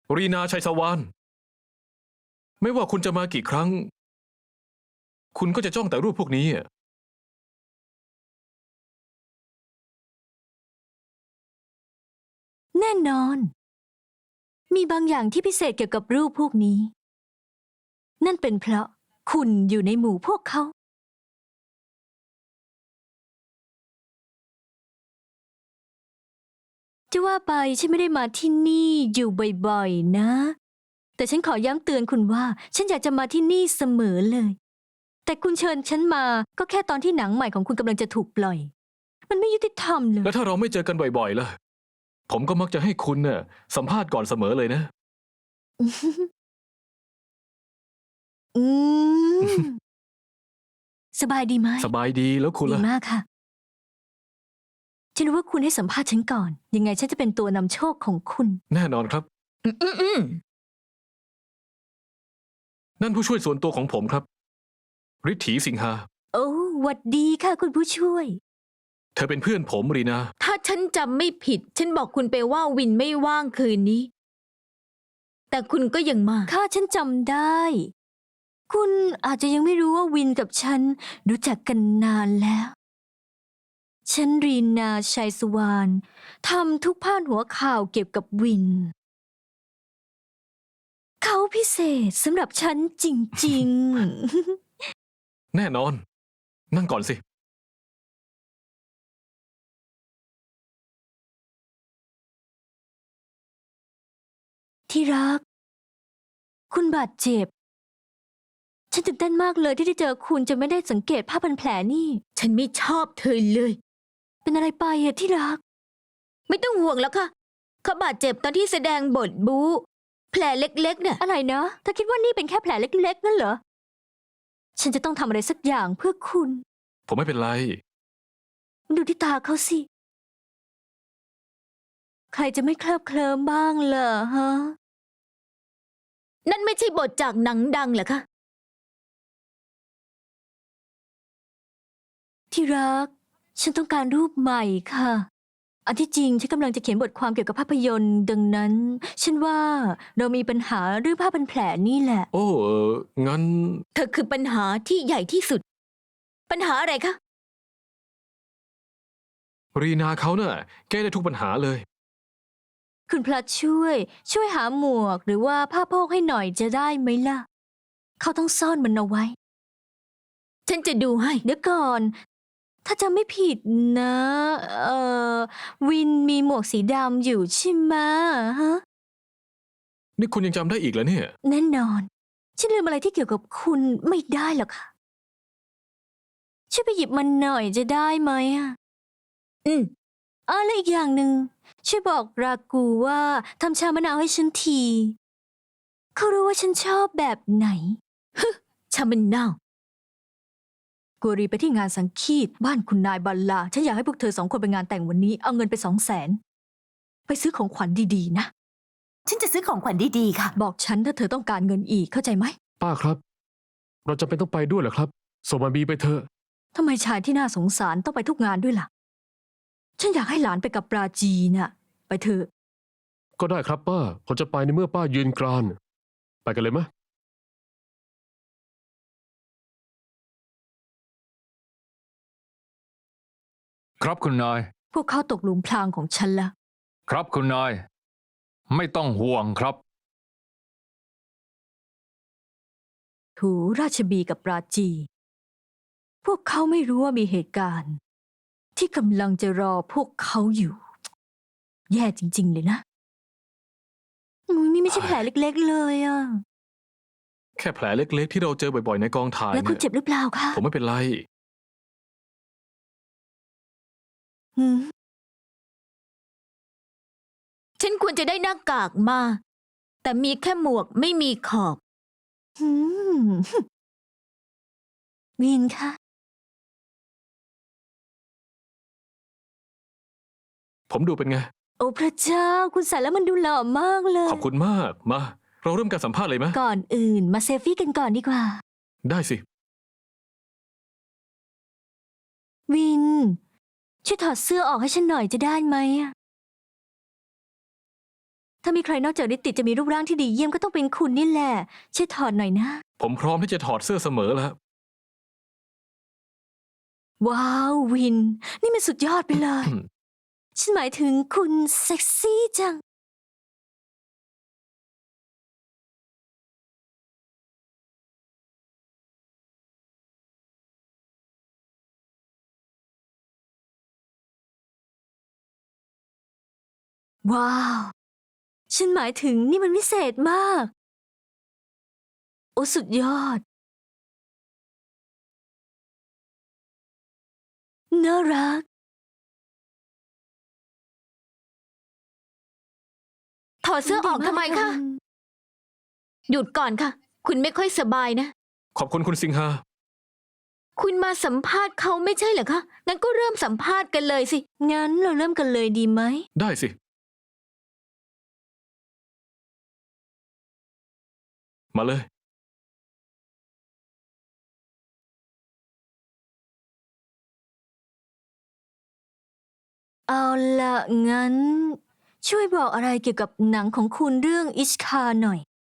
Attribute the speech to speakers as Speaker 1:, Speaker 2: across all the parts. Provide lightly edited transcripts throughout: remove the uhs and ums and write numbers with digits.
Speaker 1: รีนาชัยสวรรณไม่ว่าคุณจะมากี่ครั้งคุณก็จะจ้องแต่รูปพวกนี้
Speaker 2: แน่นอนมีบางอย่างที่พิเศษเกี่ยวกับรูปพวกนี้นั่นเป็นเพราะคุณอยู่ในหมู่พวกเขาจะว่าไปฉันไม่ได้มาที่นี่อยู่บ่อยๆนะแต่ฉันขอย้ำเตือนคุณว่าฉันอยากจะมาที่นี่เสมอเลยแต่คุณเชิญฉันมาก็แค่ตอนที่หนังใหม่ของคุณกำลังจะถูกปล่อยมันไม่ยุติธรรมเลย
Speaker 1: แล้วถ้าเราไม่เจอกันบ่อยๆล่ะผมก็มักจะให้คุณน่ะสัมภาษณ์ก่อนเสมอเลยนะ
Speaker 2: อืมสบายดีไหม
Speaker 1: สบายดีแล้วคุณ
Speaker 2: ดี
Speaker 1: ล่ะ
Speaker 2: มากค่ะฉันรู้ว่าคุณให้สัมภาษณ์ฉันก่อนยังไงฉันจะเป็นตัวนำโชคของคุณ
Speaker 1: แน่นอนครับนั่นผู้ช่วยส่วนตัวของผมครับฤทธีสิงหา
Speaker 2: โอ้หวัดดีค่ะคุณผู้ช่วย
Speaker 1: เธอเป็นเพื่อนผมรีนา
Speaker 3: ถ้าฉันจำไม่ผิด ฉันบอกคุณไปว่าวินไม่ว่างคืนนี้ แต่คุณก็ยังมา
Speaker 2: ค่ะฉันจำได้ คุณอาจจะยังไม่รู้ว่าวินกับฉันรู้จักกันนานแล้ว ฉันรีนาชัยสุวรรณทำทุกพาดหัวข่าวเกี่ยวกับวิน เขาพิเศษสำหรับฉันจริงๆ
Speaker 1: แน่นอน นั่งก่อนสิ
Speaker 2: ที่รัก คุณบาดเจ็บ ฉันตื่นเต้นมากเลยที่ได้เจอคุณจะไม่ได้สังเกตผ้าพันแผลนี่
Speaker 3: ฉันไม่ชอบเธอเลย
Speaker 2: เป็นอะไรไปอะที่รัก
Speaker 3: ไม่ต้องห่วงแล้วค่ะ เขาบาดเจ็บตอนที่แสดงบทบู๊แผลเล็กๆเนี่ย
Speaker 2: อะไรนะเธอคิดว่านี่เป็นแค่แผลเล็กๆนั่นเหรอ ฉันจะต้องทำอะไรสักอย่างเพื่อคุณ
Speaker 1: ผมไม่เป็นไร
Speaker 2: ดูที่ตาเขาสิ ใครจะไม่เคลิบเคลิ้มบ้างเหรอฮะ
Speaker 3: นั่นไม่ใช่บทจากหนังดังเหรอคะ
Speaker 2: ที่รัก ฉันต้องการรูปใหม่ค่ะ อันที่จริงฉันกำลังจะเขียนบทความเกี่ยวกับภาพยนตร์ดังนั้น ฉันว่าเรามีปัญหาเรื่องผ้าพันแผลนี่แหละ
Speaker 1: โอ้งั้น
Speaker 3: เธอคือปัญหาที่ใหญ่ที่สุด ปัญหาอะไรคะ
Speaker 1: รีนาเขาน่ะแก้ได้ทุกปัญหาเลย
Speaker 2: คุณพระช่วยหาหมวกหรือว่าผ้าโพกให้หน่อยจะได้ไหมล่ะ เขาต้องซ่อนมันเอาไว้
Speaker 3: ฉันจะดูให้
Speaker 2: เดี๋ยวก่อน ถ้าจำไม่ผิดนะ วินมีหมวกสีดำอยู่ใช่ไหมฮะ
Speaker 1: นี่คุณยังจำได้อีกเหรอเนี่ย
Speaker 2: แน่นอน ฉันลืมอะไรที่เกี่ยวกับคุณไม่ได้หรอกค่ะ ช่วยไปหยิบมันหน่อยจะได้ไหมอะ
Speaker 3: อืม
Speaker 2: แล้วอีกอย่างหนึ่งช่วยบอกรากูว่าทำชามะนาวให้ฉันที เขารู้ว่าฉันชอบแบบไหน
Speaker 3: ชามันนาว
Speaker 2: กูรีไปที่งานสังคีตบ้านคุณนายบัลลา ฉันอยากให้พวกเธอ2 คนไปงานแต่งวันนี้ เอาเงินไป200,000ไปซื้อของขวัญดีๆนะ
Speaker 4: ฉันจะซื้อของขวัญดีๆค่ะ
Speaker 2: บอกฉันถ้าเธอต้องการเงินอีกเข้าใจไหม
Speaker 5: ป้าครับ เราจำเป็นต้องไปด้วยเหรอครับส่งมาบีไปเถอะ
Speaker 2: ทำไมชายที่น่าสงสารต้องไปทุกงานด้วยล่ะ ฉันอยากให้หลานไปกับปราจีน่ะ ไปเถอะ
Speaker 5: ก็ได้ครับป้าผมจะไปในเมื่อป้ายืนกราน ไปกันเลยมะ
Speaker 6: ครับคุณนาย
Speaker 2: พวกเขาตกหลุมพรางของฉันละ
Speaker 6: ครับคุณนาย ไม่ต้องห่วงครับ
Speaker 2: ถูราชบีกับปราจี พวกเขาไม่รู้ว่ามีเหตุการณ์ ที่กำลังจะรอพวกเขาอยู่ แย่จริงๆเลยนะนี่ไม่ใช่แผลเล็กๆเลยอะ
Speaker 1: แค่แผลเล็กๆที่เราเจอบ่อยๆในกองถ่าย
Speaker 2: แล้วคุณ
Speaker 1: เนี่ย
Speaker 2: เจ็บหรือเปล่าคะ
Speaker 1: ผมไม่เป็นไร
Speaker 2: หืม
Speaker 3: ฉันควรจะได้หน้ากากมา แต่มีแค่หมวกไม่มีขอบ
Speaker 2: หืมวินคะ
Speaker 1: ผมดูเป็นไง
Speaker 2: โอ้พระเจ้า คุณใส่แล้วมันดูหล่อมากเลย
Speaker 1: ขอบคุณมาก มา เราเริ่มการสัมภาษณ์เลยไหม
Speaker 2: ก่อนอื่นมาเซลฟี่กันก่อนดีกว่า
Speaker 1: ได้สิ
Speaker 2: วิน ช่วยถอดเสื้อออกให้ฉันหน่อยจะได้ไหมอะถ้าามีใครนอกจากนิติจะมีรูปร่างที่ดีเยี่ยมก็ต้องเป็นคุณนี่แหละช่วยถอดหน่อยนะ
Speaker 1: ผมพร้อมที่จะถอดเสื้อเสมอแล้ว
Speaker 2: ว้าววิน นี่มันสุดยอดไปเลย ฉันหมายถึงคุณเซ็กซี่จัง ว้าว ฉันหมายถึงนี่มันวิเศษมาก โอ้สุดยอด น่ารัก
Speaker 3: ถอดเสื้อออกทำไมคะ หยุดก่อนค่ะ คุณไม่ค่อยสบายนะ
Speaker 1: ขอบคุณคุณสิงหา
Speaker 3: คุณมาสัมภาษณ์เขาไม่ใช่เหรอคะ งั้นก็เริ่มสัมภาษณ์กันเลยสิ
Speaker 2: งั้นเราเริ่มกันเลยดีไหม
Speaker 1: ได้สิ มาเลย
Speaker 2: เอาละงั้น ช่วยบอกอะไรเกี่ยวกับหนังของคุณเรื่องอิชคาหน่อย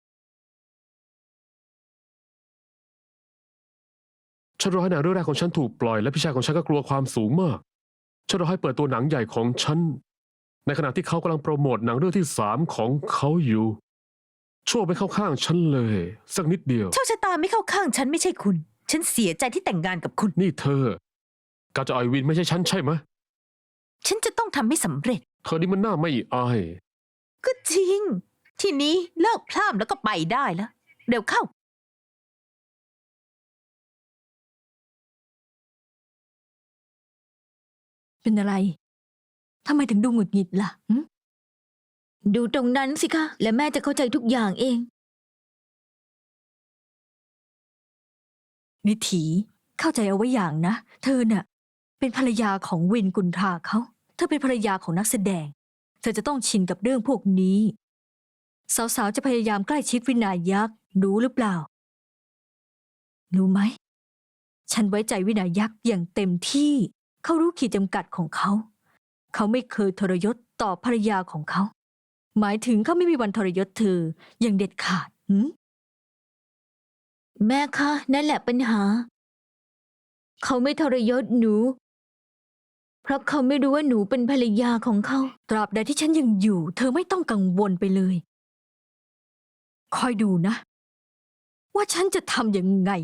Speaker 5: ฉันรอให้หนังเรื่องแรกของฉันถูกปล่อยและพี่ชายของฉันก็กลัวความสูงมาก ฉันรอให้เปิดตัวหนังใหญ่ของฉัน ในขณะที่เขากำลังโปรโมทหนังเรื่องที่3ของเขาอยู่ ชั่วไม่เข้าข้างฉันเลย สักนิดเดียว
Speaker 4: โชคชะตาไม่เข้าข้างฉันไม่ใช่คุณ ฉันเสียใจที่แต่งงานกับคุณ
Speaker 5: นี่เธอ การจะอ่อยวินไม่ใช่ฉันใช่ไหม
Speaker 4: ฉันจะต้องทำให้สำเร็จ
Speaker 5: เธอนี่มันน่าไม่อาย
Speaker 4: ก็จริง ทีนี้เลิกพร่ำแล้วก็ไปได้แล้ว เร็วเข้า
Speaker 2: เป็นอะไร ทำไมถึงดูหงุดหงิดล่ะหึ
Speaker 3: ดูตรงนั้นสิคะ และแม่จะเข้าใจทุกอย่างเอง
Speaker 2: นิถีเข้าใจเอาไว้อย่างนะ เธอน่ะ เป็นภรรยาของวินกุนทราเขา เธอเป็นภรรยาของนักแสดง เธอจะต้องชินกับเรื่องพวกนี้ สาวๆจะพยายามใกล้ชิดวินายักษ์รู้หรือเปล่า รู้ไหม ฉันไว้ใจวินายักษ์อย่างเต็มที่ เขารู้ขีดจำกัดของเขา เขาไม่เคยทรยศต่อภรรยาของเขา หมายถึงเขาไม่มีวันทรยศเธออย่างเด็ดขาดหืม
Speaker 3: แม่คะ นั่นแหละปัญหา เขาไม่ทรยศหนู เพราะเขาไม่รู้ว่าหนูเป็นภรรยาของเขา
Speaker 2: ตราบใดที่ฉันยังอยู่ เธอไม่ต้องกังวลไปเลย คอยดูนะ ว่าฉันจะทำยังไง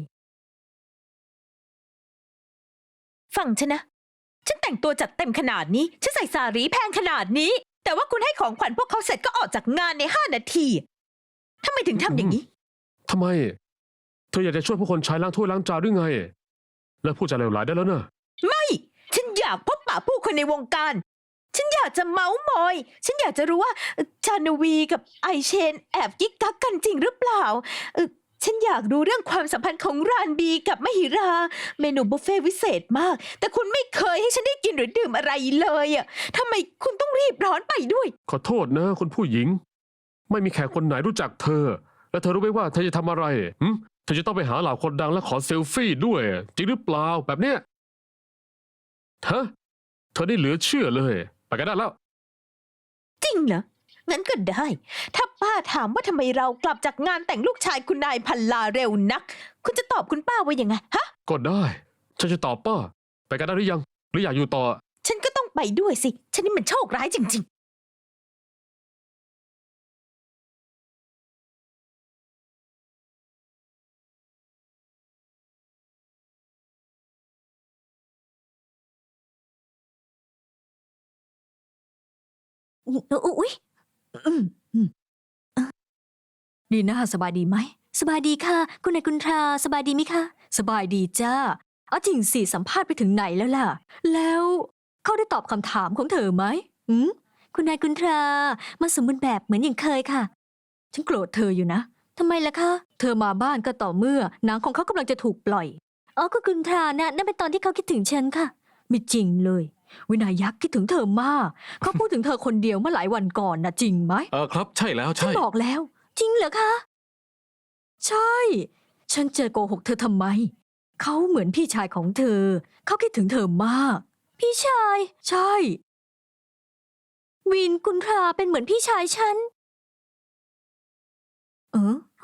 Speaker 4: ฟังฉันนะ ฉันแต่งตัวจัดเต็มขนาดนี้ ฉันใส่สารีแพงขนาดนี้ แต่ว่าคุณให้ของขวัญพวกเขาเสร็จก็ออกจากงานใน5 นาทีทำไมถึงทำอย่างนี้
Speaker 5: ทำไม เธออยากจะช่วยผู้คนใช้ล้างถ้วยล้างจานหรือไง แล้วพูดจาเลวร้ายได้แล้วเนอะ
Speaker 4: ไม่ ฉันอยากพบปะผู้คนในวงการ ฉันอยากจะเมาส์มอย ฉันอยากจะรู้ว่าชานวีกับไอเชนแอบกิ๊กกักกันจริงหรือเปล่าฉันอยากรู้เรื่องความสัมพันธ์ของรานบีกับมหิรา เมนูบุฟเฟ่ต์วิเศษมาก แต่คุณไม่เคยให้ฉันได้กินหรือดื่มอะไรเลยอ่ะทำไมคุณต้องรีบร้อนไปด้วย
Speaker 5: ขอโทษนะคุณผู้หญิง ไม่มีแขกคนไหนรู้จักเธอ และเธอรู้ไหมว่าเธอจะทำอะไรเธอจะต้องไปหาเหล่าคนดังและขอเซลฟี่ด้วย จริงหรือเปล่าแบบเนี้ยเธอได้เหลือเชื่อเลย ไปกันได้แล้ว
Speaker 4: จริงเหรอ งั้นก็ได้ ถ้าป้าถามว่าทำไมเรากลับจากงานแต่งลูกชายคุณนายพันลาเร็วนัก คุณจะตอบคุณป้าว่ายังไงฮะ
Speaker 5: ก็ได้ ฉันจะตอบป้า ไปกันได้หรือยัง หรืออยากอยู่ต่อ
Speaker 4: ฉันก็ต้องไปด้วยสิ ฉันนี่มันโชคร้ายจริง
Speaker 2: อุ๊ยอืมดีนะสบายดีไหม สบายดีค่ะ คุณนายกุนทราสบายดีไหมคะ สบายดีจ้า เอาจริงสิสัมภาษณ์ไปถึงไหนแล้วล่ะ แล้วเขาได้ตอบคำถามของเธอไหมคุณนายกุนทรามาสมบูรณ์แบบเหมือนอย่างเคยค่ะ ฉันโกรธเธออยู่นะทำไมล่ะคะ เธอมาบ้านก็ต่อเมื่อหนังของเขากำลังจะถูกปล่อย อ๋อก็กุนทรานะนั่นเป็นตอนที่เขาคิดถึงฉันค่ะ ไม่จริงเลย วินายักษ์คิดถึงเธอมาก เขาพูดถึงเธอคนเดียวเมื่อหลายวันก่อนนะจริงไหม
Speaker 1: ครับ ใช่แล้ว
Speaker 2: ฉัน
Speaker 1: ใช่
Speaker 2: บอกแล้ว จริงเหรอคะ ใช่ ฉันจะโกหกเธอทำไม เขาเหมือนพี่ชายของเธอ เขาคิดถึงเธอมาก พี่ชาย ใช่ วินกุนทราเป็นเหมือนพี่ชายฉันเออ